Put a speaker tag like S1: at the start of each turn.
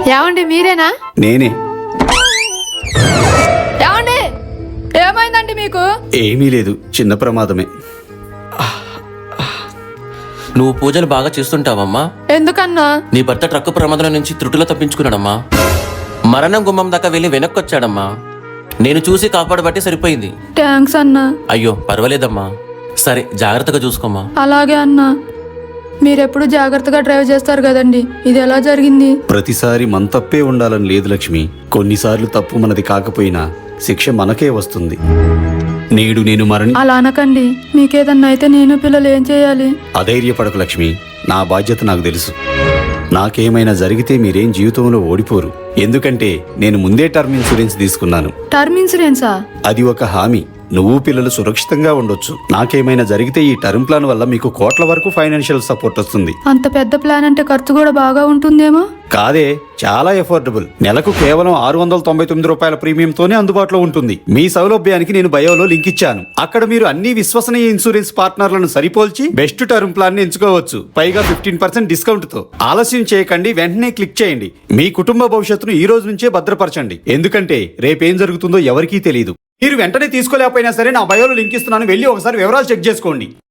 S1: ఏమండి మీరేనా?
S2: నేనే.
S1: ఏమండి ఏమైందండి మీకు?
S2: ఏమీ లేదు, చిన్న ప్రమాదమే.
S3: నువ్వు పూజలు బాగా చేస్తుంటావమ్మా.
S1: ఎందుకన్నా?
S3: నీ భర్త ట్రక్కు ప్రమాదం నుంచి త్రుటిలో తప్పించుకున్నాడమ్మా. మరణం గుమ్మం దాకా వెళ్ళి వెనక్కొచ్చాడమ్మా. నేను చూసి కాపాడబట్టి సరిపోయింది.
S1: థ్యాంక్స్ అన్నా.
S3: అయ్యో పర్వాలేదమ్మా. సరే జాగ్రత్తగా చూసుకోమ్మా.
S1: అలాగే అన్నా. మీరెప్పుడు జాగ్రత్తగా డ్రైవ్ చేస్తారు కదండి, ఇది ఎలా జరిగింది?
S2: ప్రతిసారి మన తప్పే ఉండాలని లేదు లక్ష్మి. కొన్నిసార్లు తప్పు మనది కాకపోయినా శిక్ష మనకే వస్తుంది. నేడు నేను
S1: అలా అనకండి. మీకేదన్నా అయితే నేను పిల్లలు ఏం చేయాలి?
S2: అధైర్యపడకు లక్ష్మి, నా బాధ్యత నాకు తెలుసు. నాకేమైనా జరిగితే మీరేం జీవితంలో ఓడిపోరు. ఎందుకంటే నేను ముందే టర్మ్ ఇన్సూరెన్స్ తీసుకున్నాను.
S1: టర్మ్ ఇన్సూరెన్సా?
S2: అది ఒక హామీ. నువ్వు పిల్లలు సురక్షితంగా ఉండొచ్చు. నాకేమైనా జరిగితే ఈ టర్మ్ ప్లాన్ వల్ల మీకు కోట్ల వరకు ఫైనాన్షియల్ సపోర్ట్ వస్తుంది.
S1: అంత పెద్ద ప్లాన్ అంటే ఖర్చు కూడా బాగా ఉంటుందేమో.
S2: కాదే, చాలా ఎఫోర్డబుల్. నెలకు కేవలం 699 రూపాయల ప్రీమియంతోనే అందుబాటులో ఉంటుంది. మీ సౌలభ్యానికి నేను బయోలో లింక్ ఇచ్చాను. అక్కడ మీరు అన్ని విశ్వసనీయ ఇన్సూరెన్స్ పార్ట్నర్లను సరిపోల్చి బెస్ట్ టర్మ్ ప్లాన్ ని ఎంచుకోవచ్చు. పైగా 15% డిస్కౌంట్ తో. ఆలస్యం చేయకండి, వెంటనే క్లిక్ చేయండి. మీ కుటుంబ భవిష్యత్తును ఈ రోజు నుంచే భద్రపరచండి. ఎందుకంటే రేపేం జరుగుతుందో ఎవరికీ తెలియదు. మీరు వెంటనే తీసుకోలేకపోయినా సరే నా బయోలో లింక్ ఇస్తున్నాను, వెళ్ళి ఒకసారి వివరాలు చెక్ చేసుకోండి.